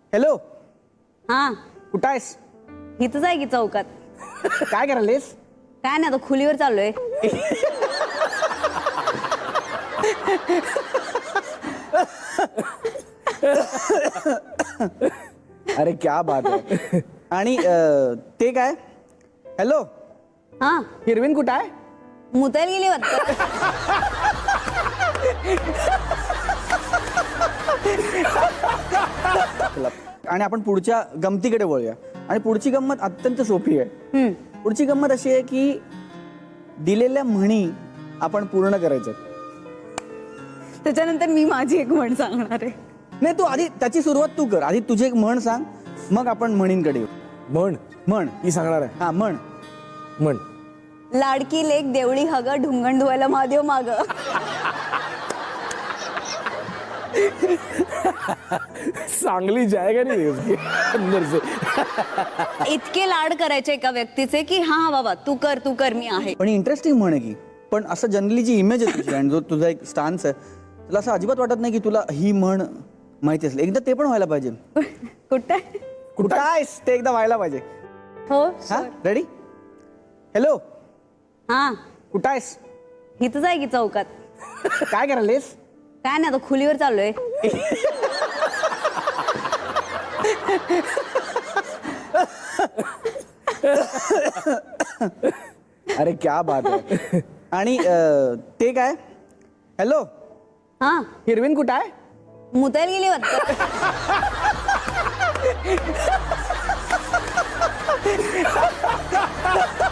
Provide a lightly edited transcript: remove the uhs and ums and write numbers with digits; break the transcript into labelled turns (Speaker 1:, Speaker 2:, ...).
Speaker 1: Hello,
Speaker 2: हा
Speaker 1: कुठं आहेस?
Speaker 2: इथंच आहे की चौकात.
Speaker 1: काय करायलेस?
Speaker 2: काय नाही आता खुलीवर चाललोय.
Speaker 1: अरे क्या बात आहे. आणि ते काय? हॅलो,
Speaker 2: हा
Speaker 1: हिरवीन कुठं आहे?
Speaker 2: मुतायला गेली वाटतं.
Speaker 1: चला. आणि आपण पुढच्या गमतीकडे वळूया. आणि पुढची गंमत अत्यंत सोपी आहे. पुढची गंमत अशी आहे की दिलेल्या म्हणी आपण पूर्ण करायच्या.
Speaker 2: त्याच्यानंतर मी माझी एक म्हण सांगणार आहे.
Speaker 1: नाही, तू आधी त्याची सुरुवात तू कर. आधी तुझी एक म्हण सांग, मग आपण म्हणींकडे येऊ.
Speaker 3: म्हण
Speaker 1: म्हण
Speaker 3: ही सांगणार आहे.
Speaker 1: हा म्हण.
Speaker 3: म्हण
Speaker 2: लाडकी लेक देवळी हग ढुंगण धुवायला महादेव माग.
Speaker 3: चांगली जायगा नाही उसकी अंदर से.
Speaker 2: इतके लाड करायचे एका व्यक्तीचे की हा हा बाबा तू कर मी आहे.
Speaker 1: पण इंटरेस्टिंग म्हण आहे की. पण असं जनरली जी इमेज आहे तुझी आणि जो तुझा एक स्टान्स आहे, तुला असं अजिबात वाटत नाही की तुला ही म्हण माहिती असेल. एकदा ते पण व्हायला पाहिजे.
Speaker 2: कुठे
Speaker 1: कुठं आहेस ते एकदा व्हायला पाहिजे.
Speaker 2: हो
Speaker 1: हा रेडी? हॅलो,
Speaker 2: हा
Speaker 1: कुठं आहेस?
Speaker 2: इथंच आहे की चौकात.
Speaker 1: काय करायलेस?
Speaker 2: काय नाही आता खुलीवर चाललोय.
Speaker 1: अरे क्या बात आहे. आणि ते काय? हॅलो,
Speaker 2: हा
Speaker 1: हिरवीन कुठं आहे?
Speaker 2: मुतायला गेली वाटतं.